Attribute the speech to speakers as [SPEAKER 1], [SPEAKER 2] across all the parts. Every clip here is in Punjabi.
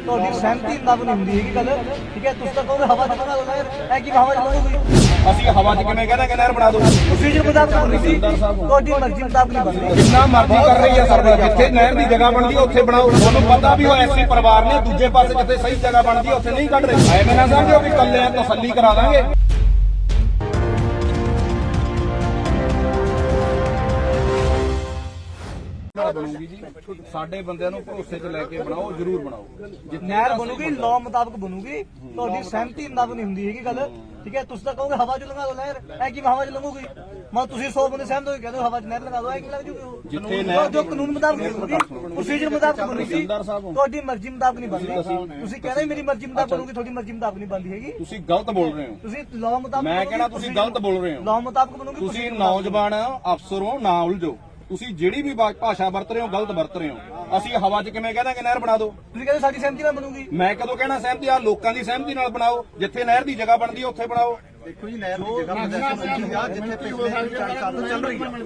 [SPEAKER 1] ਤੁਹਾਡੀ ਸਹਿਮਤੀ ਮੁਤਾਬਕ ਨਹੀਂ ਹੁੰਦੀ ਹੈਗੀ ਗੱਲ, ਠੀਕ ਹੈ। ਤੁਸੀਂ ਤਾਂ ਕਹੋਗੇ ਹਵਾ ਚ ਬਣਾ ਦੋ ਨਹਿਰ, ਐ ਕੀ ਹਵਾ ਚ ਬਣੂਗੀ?
[SPEAKER 2] ਅਸੀਂ ਹਵਾ 'ਚ ਕਿਵੇਂ ਕਹਿੰਦੇ ਕਿ ਨਹਿਰ ਬਣਾ ਦੋ?
[SPEAKER 1] ਪ੍ਰੋਸੀਜਰ ਮੁਤਾਬਕ ਬਣਨੀ ਸੀ, ਤੁਹਾਡੀ ਮਰਜ਼ੀ ਮੁਤਾਬਕ ਨਹੀਂ ਬਣਦੀ।
[SPEAKER 2] ਜਿੰਨਾ ਮਰਜ਼ੀ ਕਰ ਰਹੀ ਹੈ ਸਰਕਾਰ, ਜਿੱਥੇ ਨਹਿਰ ਦੀ ਜਗ੍ਹਾ ਬਣਦੀ ਹੈ ਉੱਥੇ ਬਣਾਓ। ਤੁਹਾਨੂੰ ਪਤਾ ਵੀ ਉਹ ਐਸੀ ਪਰਿਵਾਰ ਨੇ, ਦੂਜੇ ਪਾਸੇ ਜਿੱਥੇ ਸਹੀ ਜਗ੍ਹਾ ਬਣਦੀ ਹੈ ਉੱਥੇ ਨਹੀਂ ਕੱਢ ਰਹੇ। ਐਵੇਂ ਨਾ ਸਮਝੋ ਵੀ ਇਕੱਲੇ ਆ ਤਸੱਲੀ ਕਰਾ ਦਾਂਗੇ। ਬਣੂਗੀ ਜੀ, ਸਾਡੇ ਬੰਦਿਆਂ ਨੂੰ ਭਰੋਸੇ 'ਚ ਲੈ ਕੇ ਬਣਾਓ, ਜ਼ਰੂਰ ਬਣਾਓ।
[SPEAKER 1] ਨਹਿਰ ਬਣੂਗੀ ਲਾਅ ਮੁਤਾਬਕ ਬਣੂਗੀ, ਤੁਹਾਡੀ ਸਹਿਮਤੀ ਮੁਤਾਬਕ ਨਹੀਂ ਹੁੰਦੀ ਹੈਗੀ ਗੱਲ, ਠੀਕ ਹੈ। ਤੁਸੀਂ ਤਾਂ ਕਹੋਗੇ ਹਵਾ ਚ ਲੰਘਾ ਦੋ ਨਹਿਰ, ਐ ਕੀ ਹਵਾ ਚ ਲੰਘੂਗੀ? ਮੈਂ ਤੁਸੀਂ 100 ਬੰਦੇ ਸਹਿਮਤ ਹੋ ਕੇ ਕਹਿੰਦੇ ਹਵਾ ਚ ਨਹਿਰ ਲਗਾ ਦੋ, ਐ ਕੀ ਲੱਗ ਜੂਗੀ?
[SPEAKER 2] ਜਿੱਥੇ ਨਹਿਰ
[SPEAKER 1] ਜੋ ਕਾਨੂੰਨ ਮੁਤਾਬਕ ਬਣੂਗੀ, ਪ੍ਰੋਸੀਜਰ ਮੁਤਾਬਕ ਬਣੂਗੀ, ਤੁਹਾਡੀ ਮਰਜ਼ੀ ਮੁਤਾਬਕ ਨਹੀਂ ਬਣਦੀ। ਤੁਸੀਂ ਕਹਿੰਦੇ ਮੇਰੀ ਮਰਜ਼ੀ ਮੁਤਾਬਕ ਬਣੂਗੀ, ਤੁਹਾਡੀ ਮਰਜ਼ੀ ਮੁਤਾਬਕ ਨਹੀਂ ਬਣਦੀ ਹੈਗੀ।
[SPEAKER 2] ਤੁਸੀਂ ਗਲਤ ਬੋਲ ਰਹੇ ਹੋ।
[SPEAKER 1] ਤੁਸੀਂ ਲਾਅ ਮੁਤਾਬਕ,
[SPEAKER 2] ਮੈਂ ਕਹਿਣਾ ਤੁਸੀਂ ਗਲਤ ਬੋਲ ਰਹੇ ਹੋ।
[SPEAKER 1] ਲਾਅ ਮੁਤਾਬਕ ਬਣੂਗੀ।
[SPEAKER 2] ਤੁਸੀਂ ਨੌਜਵਾਨ ਅਫਸਰ ਹੋ, ਨਾ ਉਲਝੋ। ਤੁਸੀਂ ਜਿਹੜੀ ਵੀ ਭਾਸ਼ਾ ਵਰਤ ਰਹੇ ਹੋ ਗਲਤ ਵਰਤ ਰਹੇ ਹੋ। ਅਸੀਂ ਹਵਾ 'ਚ ਕਿਵੇਂ ਕਹਿੰਦੇ ਕਿ ਨਹਿਰ ਬਣਾ ਦਿਓ?
[SPEAKER 1] ਤੁਸੀਂ ਕਹਿੰਦੇ ਸਾਡੀ ਸਹਿਮਤੀ ਨਾਲ ਬਣੂਗੀ।
[SPEAKER 2] ਮੈਂ ਕਦੋਂ ਕਹਿਣਾ ਸਹਿਮਤੀ? ਆ ਲੋਕਾਂ ਦੀ ਸਹਿਮਤੀ ਨਾਲ ਬਣਾਓ। ਜਿੱਥੇ ਨਹਿਰ ਦੀ ਜਗ੍ਹਾ ਬਣਦੀ ਹੈ ਉੱਥੇ ਬਣਾਓ।
[SPEAKER 1] ਦੇਖੋ ਜੀ, ਨਹਿਰ ਦੀ ਜਗ੍ਹਾ ਜਿੱਥੇ ਪਿਛਲੇ 40 ਸਾਲ ਤੋਂ ਚੱਲ ਰਹੀ ਹੈ।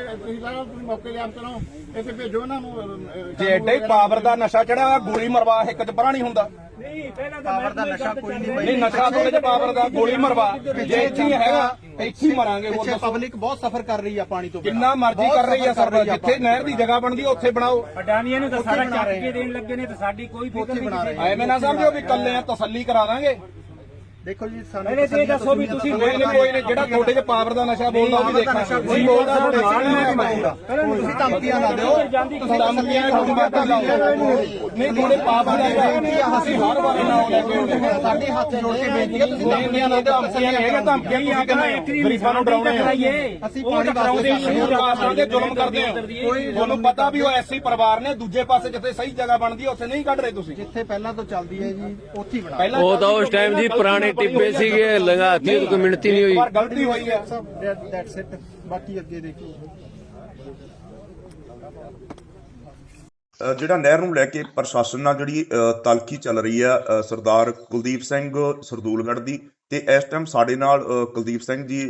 [SPEAKER 2] ਜੇ ਐਡੇ ਪਾਵਰ ਦਾ ਨਸ਼ਾ ਚੜਿਆ, ਗੋਲੀ ਮਰਵਾ ਇੱਕ 'ਚ ਪਰਾਂ ਨਹੀਂ ਹੁੰਦਾ।
[SPEAKER 1] ਪਾਵਰ ਦਾ ਨਸ਼ਾ ਕੋਈ
[SPEAKER 2] ਨਹੀਂ, ਨਸ਼ਾ ਥੋੜੇ ਜਿਹਾ ਪਾਵਰ ਦਾ, ਗੋਲੀ ਮਰਵਾ। ਜੇ ਇੱਥੇ ਹੀ ਹੈਗਾ ਇੱਥੇ ਹੀ ਮਰਾਂਗੇ। ਹੋਰ ਦੱਸੋ।
[SPEAKER 1] ਪਬਲਿਕ ਬਹੁਤ ਸਫਰ ਕਰ ਰਹੀ ਆ ਪਾਣੀ ਤੋਂ,
[SPEAKER 2] ਕਿੰਨਾ ਮਰਜ਼ੀ ਕਰ ਰਹੀ ਹੈ ਸਰਕਾਰ, ਜਿੱਥੇ ਨਹਿਰ ਦੀ ਜਗ੍ਹਾ ਬਣਦੀ ਹੈ ਉੱਥੇ ਬਣਾਓ।
[SPEAKER 3] ਅਡਾਨੀਆਂ ਨੂੰ ਤਾਂ ਸਾਰਾ ਚੱਕ ਕੇ ਦੇਣ ਲੱਗੇ ਨੇ, ਤੇ ਸਾਡੀ ਕੋਈ ਫਿਕਰ ਨਹੀਂ।
[SPEAKER 2] ਐਵੇਂ ਨਾ ਸਮਝੋ ਵੀ ਇਕੱਲੇ ਆ ਤਸੱਲੀ ਕਰਾ ਦਾਂਗੇ।
[SPEAKER 1] ਦੇਖੋ ਜੀ, ਸਾਨੂੰ
[SPEAKER 3] ਇਹ ਦੱਸੋ ਵੀ ਤੁਸੀਂ
[SPEAKER 2] ਕੋਈ ਨਹੀਂ, ਜਿਹੜਾ ਤੁਹਾਡੇ 'ਚ ਪਾਵਰ ਦਾ ਨਸ਼ਾ ਬੋਲਦਾ ਉਹ ਵੀ ਦੇਖਾਂਗੇ। ਨਹੀਂ ਬੋਲਦਾ ਤੁਹਾਡੇ
[SPEAKER 1] ਤੁਸੀਂ ਧਮਕੀਆਂ ਨਾ ਦਿਓ,
[SPEAKER 2] ਤੁਸੀਂ ਧਮਕੀਆਂ ਨਹੀਂ, ਤੁਹਾਡੇ ਪਾਵਰ ਦਾ ਅਸੀਂ ਹਰ ਵਾਰ ਨਾਮ ਲੈ ਕੇ
[SPEAKER 1] ਸਾਡੇ ਹੱਥ ਜੋੜ ਕੇ ਬੇਨਤੀ ਹੈ, ਤੁਸੀਂ ਧਮਕੀਆਂ ਨਾ ਦਿਓ।
[SPEAKER 2] ਧਮਕੀਆਂ ਹੀ ਆ ਕੇ ਗਰੀਬਾਂ ਨੂੰ ਡਰਾਉਣੇ ਆ।
[SPEAKER 1] ਅਸੀਂ ਪਾਣੀ ਵਾਸਤੇ
[SPEAKER 2] ਜ਼ੁਲਮ ਕਰਦੇ ਹੋ। ਤੁਹਾਨੂੰ ਪਤਾ ਵੀ ਉਹ ਐਸੀ ਪਰਿਵਾਰ ਨੇ, ਦੂਜੇ ਪਾਸੇ ਜਿੱਥੇ ਸਹੀ ਜਗ੍ਹਾ ਬਣਦੀ ਹੈ ਉੱਥੇ ਨਹੀਂ ਕੱਢ ਰਹੇ ਤੁਸੀਂ।
[SPEAKER 1] ਜਿੱਥੇ ਪਹਿਲਾਂ ਤੋਂ ਚੱਲਦੀ ਹੈ ਜੀ ਉੱਥੇ ਹੀ ਬਣਾ।
[SPEAKER 4] ਉਹ ਤਾਂ ਉਸ ਟਾਈਮ ਜੀ ਪੁਰਾਣੇ ਟਿੱਬੇ ਸੀਗੇ, ਲੰਘਾਤੀ ਕੋਈ ਮਿਹਨਤੀ ਨਹੀਂ ਹੋਈ।
[SPEAKER 2] ਪਰ ਗਲਤੀ ਹੋਈ ਹੈ।
[SPEAKER 1] ਦੈਟਸ ਇਟ, ਬਾਕੀ ਅੱਗੇ ਦੇਖੋ।
[SPEAKER 5] ਜਿਹੜਾ ਨਹਿਰ ਨੂੰ ਲੈ ਕੇ ਪ੍ਰਸ਼ਾਸਨ ਨਾਲ ਜਿਹੜੀ ਤਲਖੀ ਚੱਲ ਰਹੀ ਆ, ਸਰਦਾਰ ਕੁਲਦੀਪ ਸਿੰਘ ਸਰਦੂਲਗੜ੍ਹ ਦੀ, ਤੇ ਇਸ ਟਾਈਮ ਸਾਡੇ ਨਾਲ ਕੁਲਦੀਪ ਸਿੰਘ ਜੀ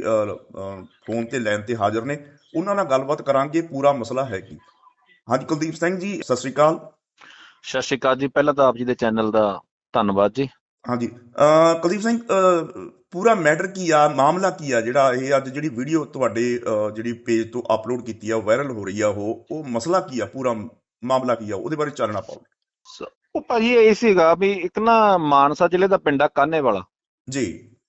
[SPEAKER 5] ਫੋਨ ਤੇ ਲਾਈਨ ਤੇ ਹਾਜ਼ਰ ਨੇ। ਉਹਨਾਂ ਨਾਲ ਗੱਲਬਾਤ ਕਰਾਂਗੇ, ਪੂਰਾ ਮਸਲਾ ਹੈ ਕੀ। ਹਾਂਜੀ ਕੁਲਦੀਪ ਸਿੰਘ ਜੀ, ਸਤਿ ਸ਼੍ਰੀ ਅਕਾਲ।
[SPEAKER 6] ਸਤਿ ਸ਼੍ਰੀ ਅਕਾਲ ਜੀ। ਪਹਿਲਾਂ ਤਾਂ ਆਪ ਜੀ ਦੇ ਚੈਨਲ ਦਾ ਧੰਨਵਾਦ ਜੀ।
[SPEAKER 5] ਹਾਂਜੀ ਕੁਲਦੀਪ ਸਿੰਘ, ਪੂਰਾ ਮੈਟਰ ਕੀ ਆ, ਮਾਮਲਾ ਕੀ ਆ ਜਿਹੜਾ ਇਹ ਅੱਜ ਜਿਹੜੀ ਵੀਡੀਓ ਤੁਹਾਡੇ ਜਿਹੜੀ ਪੇਜ ਤੋਂ ਅਪਲੋਡ ਕੀਤੀ ਆ, ਵਾਇਰਲ ਹੋ ਰਹੀ ਆ, ਉਹ ਮਸਲਾ ਕੀ ਆ, ਪੂਰਾ ਮਾਮਲਾ ਕੀ ਆ, ਉਹਦੇ ਬਾਰੇ ਚਾਨਣਾ ਪਾਓ।
[SPEAKER 6] ਉਹ ਭਾਜੀ ਇਹ ਸੀਗਾ ਵੀ ਇੱਕ ਨਾ ਮਾਨਸਾ ਜ਼ਿਲ੍ਹੇ ਦਾ ਪਿੰਡ ਆ ਕਾਨੇ ਵਾਲਾ
[SPEAKER 5] ਜੀ।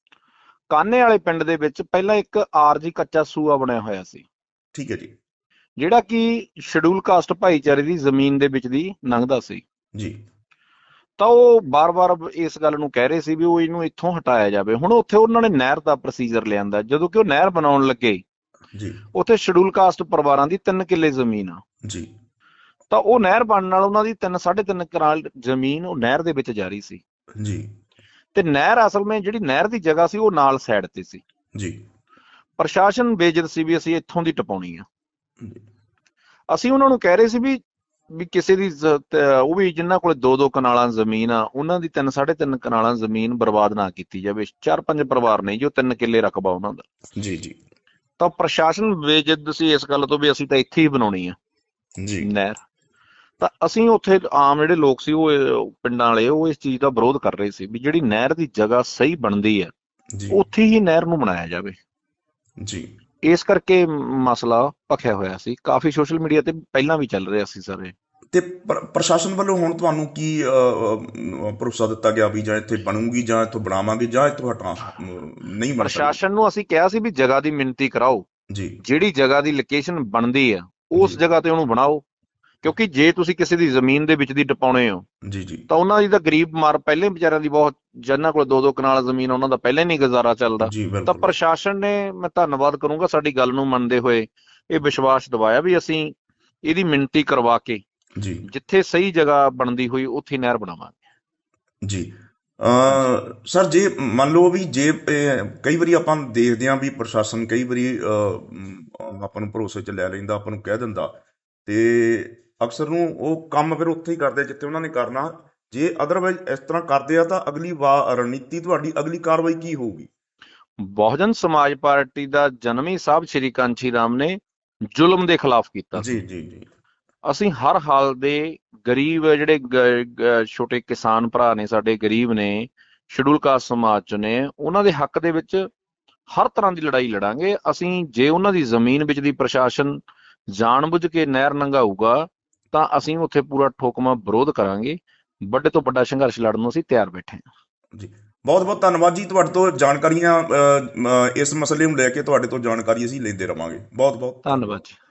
[SPEAKER 6] ਕਾਨੇ ਵਾਲੇ ਪਿੰਡ ਦੇ ਵਿੱਚ ਪਹਿਲਾਂ ਇੱਕ ਆਰਜੀ ਕੱਚਾ ਸੂਆ ਬਣਿਆ ਹੋਇਆ ਸੀ,
[SPEAKER 5] ਠੀਕ ਹੈ ਜੀ।
[SPEAKER 6] ਜਿਹੜਾ ਕਿ ਸ਼ਡਿਊਲ ਕਾਸਟ ਭਾਈਚਾਰੇ ਦੀ ਜ਼ਮੀਨ ਦੇ ਵਿੱਚ ਦੀ ਲੰਘਦਾ ਸੀ
[SPEAKER 5] ਜੀ।
[SPEAKER 6] ਤਾਂ ਉਹ ਬਾਰ-ਬਾਰ ਇਸ ਗੱਲ ਨੂੰ ਕਹਿ ਰਹੇ ਸੀ ਵੀ ਉਹ ਇਹਨੂੰ ਇੱਥੋਂ ਹਟਾਇਆ ਜਾਵੇ। ਹੁਣ ਉੱਥੇ ਉਹਨਾਂ ਨੇ ਨਹਿਰ ਦਾ ਪ੍ਰੋਸੀਜਰ ਲਿਆਂਦਾ। ਜਦੋਂ ਕਿ ਉਹ ਨਹਿਰ ਬਣਾਉਣ ਲੱਗੇ,
[SPEAKER 5] ਜੀ,
[SPEAKER 6] ਉੱਥੇ ਸ਼ਡਿਊਲ ਕਾਸਟ ਪਰਿਵਾਰਾਂ ਦੀ 3 ਕਿੱਲੇ ਜ਼ਮੀਨ ਆ।
[SPEAKER 5] ਜੀ।
[SPEAKER 6] ਤਾਂ ਉਹ ਨਹਿਰ ਬਣਨ ਨਾਲ ਉਹਨਾਂ ਦੀ 3.5 ਕਨਾਲ ਜ਼ਮੀਨ ਉਹ ਨਹਿਰ ਦੇ ਵਿੱਚ ਜਾ ਰਹੀ ਸੀ।
[SPEAKER 5] ਜੀ।
[SPEAKER 6] ਤੇ ਨਹਿਰ ਅਸਲ ਵਿੱਚ ਜਿਹੜੀ ਨਹਿਰ ਦੀ ਜਗ੍ਹਾ ਸੀ ਉਹ ਨਾਲ ਸਾਈਡ ਤੇ ਸੀ।
[SPEAKER 5] ਜੀ।
[SPEAKER 6] ਪ੍ਰਸ਼ਾਸਨ ਬੇਇੱਜ਼ਤ ਸੀ ਵੀ ਅਸੀਂ ਇੱਥੋਂ ਦੀ ਟਪਾਉਣੀ ਆ।
[SPEAKER 5] ਜੀ।
[SPEAKER 6] ਅਸੀਂ ਉਹਨਾਂ ਨੂੰ ਕਹਿ ਰਹੇ ਸੀ ਵੀ ਕਿਸੇ ਦੀ ਉਹ ਵੀ ਜਿਨ੍ਹਾਂ ਕੋਲ 2-2 ਕਨਾਲਾਂ ਜ਼ਮੀਨ ਆ, ਉਹਨਾਂ ਦੀ 3.5 ਕਨਾਲਾਂ ਜ਼ਮੀਨ ਬਰਬਾਦ ਨਾ ਕੀਤੀ ਜਾਵੇ। 4-5 ਪਰਿਵਾਰ ਨੇ ਜੋ 3 ਕਿੱਲੇ ਰਕਬਾ ਉਹਨਾਂ ਦਾ।
[SPEAKER 5] ਜੀ। ਜੀ।
[SPEAKER 6] ਤਾਂ ਪ੍ਰਸ਼ਾਸਨ ਬੇਇੱਜ਼ਤ ਸੀ ਇਸ ਗੱਲ ਤੋਂ ਵੀ ਅਸੀਂ ਤਾਂ ਇੱਥੇ ਹੀ ਬਣਾਉਣੀ ਆ
[SPEAKER 5] ਜੀ
[SPEAKER 6] ਨਹਿਰ। ਤਾਂ ਅਸੀਂ ਉੱਥੇ ਆਮ ਜਿਹੜੇ ਲੋਕ ਸੀ ਉਹ ਪਿੰਡਾਂ ਵਾਲੇ, ਉਹ ਇਸ ਚੀਜ਼ ਦਾ ਵਿਰੋਧ ਕਰ ਰਹੇ ਸੀ ਵੀ ਜਿਹੜੀ ਨਹਿਰ ਦੀ ਜਗ੍ਹਾ ਸਹੀ ਬਣਦੀ ਹੈ ਉੱਥੇ ਹੀ ਨਹਿਰ ਨੂੰ ਬਣਾਇਆ ਜਾਵੇ।
[SPEAKER 5] ਜੀ।
[SPEAKER 6] ਇਸ ਕਰਕੇ ਮਸਲਾ ਭਖਿਆ ਹੋਇਆ ਸੀ, ਕਾਫੀ ਸੋਸ਼ਲ ਮੀਡੀਆ ਤੇ ਪਹਿਲਾਂ ਵੀ ਚੱਲ ਰਿਹਾ ਸੀ ਸਾਰੇ।
[SPEAKER 5] ਤੇ ਪ੍ਰਸ਼ਾਸਨ ਵੱਲੋਂ ਹੁਣ ਤੁਹਾਨੂੰ ਕੀ ਭਰੋਸਾ ਦਿੱਤਾ ਗਿਆ ਵੀ ਜਾਂ ਇੱਥੇ ਬਣੂਗੀ, ਜਾਂ ਇੱਥੋਂ ਬਣਾਵਾਂਗੇ, ਜਾਂ ਇੱਥੋਂ ਹਟਾ ਨਹੀਂ ਬਣ?
[SPEAKER 6] ਪ੍ਰਸ਼ਾਸਨ ਨੂੰ ਅਸੀਂ ਕਿਹਾ ਸੀ ਵੀ ਜਗ੍ਹਾ ਦੀ ਮਿਣਤੀ ਕਰਾਓ,
[SPEAKER 5] ਜੀ।
[SPEAKER 6] ਜਿਹੜੀ ਜਗ੍ਹਾ ਦੀ ਲੋਕੇਸ਼ਨ ਬਣਦੀ ਆ ਉਸ ਜਗ੍ਹਾ ਤੇ ਉਹਨੂੰ ਬਣਾਓ। ਕਿਉਂਕਿ ਜੇ ਤੁਸੀਂ ਕਿਸੇ ਦੀ ਜ਼ਮੀਨ ਦੇ ਵਿੱਚ ਦੀ ਟਪਾਉਣੇ ਹੋ,
[SPEAKER 5] ਜੀ। ਜੀ।
[SPEAKER 6] ਤਾਂ ਉਹਨਾਂ ਦੀ ਤਾਂ ਗਰੀਬ ਮਾਰ ਪਹਿਲੇ ਵਿਚਾਰਿਆਂ ਦੀ ਬਹੁਤ, ਜਿਨ੍ਹਾਂ ਕੋਲ 2-2 ਕਨਾਲ ਜ਼ਮੀਨ ਉਹਨਾਂ ਦਾ ਪਹਿਲੇ ਨਹੀਂ ਗੁਜ਼ਾਰਾ ਚੱਲਦਾ। ਤਾਂ ਪ੍ਰਸ਼ਾਸਨ ਨੇ, ਮੈਂ ਧੰਨਵਾਦ ਕਰੂੰਗਾ, ਸਾਡੀ ਗੱਲ ਨੂੰ ਮੰਨਦੇ ਹੋਏ ਇਹ ਵਿਸ਼ਵਾਸ ਦਿਵਾਇਆ ਵੀ ਅਸੀਂ ਇਹਦੀ ਮਿਣਤੀ ਕਰਵਾ ਕੇ
[SPEAKER 5] ਜੀ
[SPEAKER 6] ਜਿੱਥੇ ਸਹੀ ਜਗ੍ਹਾ ਬਣਦੀ ਹੋਈ ਉੱਥੇ ਨਹਿਰ ਬਣਾਵਾਂਗੇ।
[SPEAKER 5] ਜੀ। ਸਰ, ਜੇ ਮੰਨ ਲਓ ਵੀ ਜੇ ਕਈ ਵਾਰੀ ਆਪਾਂ ਦੇਖਦੇ ਹਾਂ ਵੀ ਪ੍ਰਸ਼ਾਸਨ ਕਈ ਵਾਰੀ ਆਪਾਂ ਨੂੰ ਭਰੋਸੇ 'ਚ ਲੈ ਲੈਂਦਾ, ਆਪਾਂ ਨੂੰ ਕਹਿ ਦਿੰਦਾ, ਤੇ ਅਕਸਰ ਨੂੰ ਉਹ ਕੰਮ ਫਿਰ ਉੱਥੇ ਹੀ ਕਰਦੇ ਜਿੱਥੇ ਉਹਨਾਂ ਨੇ ਕਰਨਾ। ਜੇ ਅਦਰਵਾਈਜ਼ ਇਸ ਤਰ੍ਹਾਂ ਕਰਦੇ ਆ ਤਾਂ ਅਗਲੀ ਰਣਨੀਤੀ ਤੁਹਾਡੀ, ਅਗਲੀ ਕਾਰਵਾਈ ਕੀ ਹੋਊਗੀ?
[SPEAKER 6] ਬਹੁਜਨ ਸਮਾਜ ਪਾਰਟੀ ਦਾ ਜਨਮ ਹੀ ਸਾਹਿਬ ਸ਼੍ਰੀ ਕਾਂਚੀ ਰਾਮ ਨੇ ਜ਼ੁਲਮ ਦੇ ਖਿਲਾਫ ਕੀਤਾ।
[SPEAKER 5] ਜੀ। ਜੀ। ਜੀ।
[SPEAKER 6] ਅਸੀਂ ਹਰ ਹਾਲ ਦੇ ਗਰੀਬ ਜਿਹੜੇ ਛੋਟੇ ਕਿਸਾਨ ਭਰਾ ਨੇ, ਸਾਡੇ ਗਰੀਬ ਨੇ, ਸ਼ਡਿਊਲ ਕਾਸਟ ਸਮਾਜ ਚ ਨੇ, ਉਹਨਾਂ ਦੇ ਹੱਕ ਦੇ ਵਿੱਚ ਹਰ ਤਰ੍ਹਾਂ ਦੀ ਲੜਾਈ ਲੜਾਂਗੇ ਅਸੀਂ। ਜੇ ਉਹਨਾਂ ਦੀ ਜ਼ਮੀਨ ਵਿੱਚ ਦੀ ਪ੍ਰਸ਼ਾਸਨ ਜਾਣਬੁੱਝ ਕੇ ਨਹਿਰ ਲੰਘਾਊਗਾ ਤਾਂ ਅਸੀਂ ਉੱਥੇ ਪੂਰਾ ਠੋਕਵਾਂ ਵਿਰੋਧ ਕਰਾਂਗੇ। ਵੱਡੇ ਤੋਂ ਵੱਡਾ ਸੰਘਰਸ਼ ਲੜਨ ਨੂੰ ਅਸੀਂ ਤਿਆਰ ਬੈਠੇ ਹਾਂ
[SPEAKER 5] ਜੀ। ਬਹੁਤ ਬਹੁਤ ਧੰਨਵਾਦ ਜੀ, ਤੁਹਾਡੇ ਤੋਂ ਜਾਣਕਾਰੀਆਂ ਇਸ ਮਸਲੇ ਨੂੰ ਲੈ ਕੇ ਤੁਹਾਡੇ ਤੋਂ ਜਾਣਕਾਰੀ ਅਸੀਂ ਲੈਂਦੇ ਰਵਾਂਗੇ। ਬਹੁਤ ਬਹੁਤ
[SPEAKER 6] ਧੰਨਵਾਦ ਜੀ।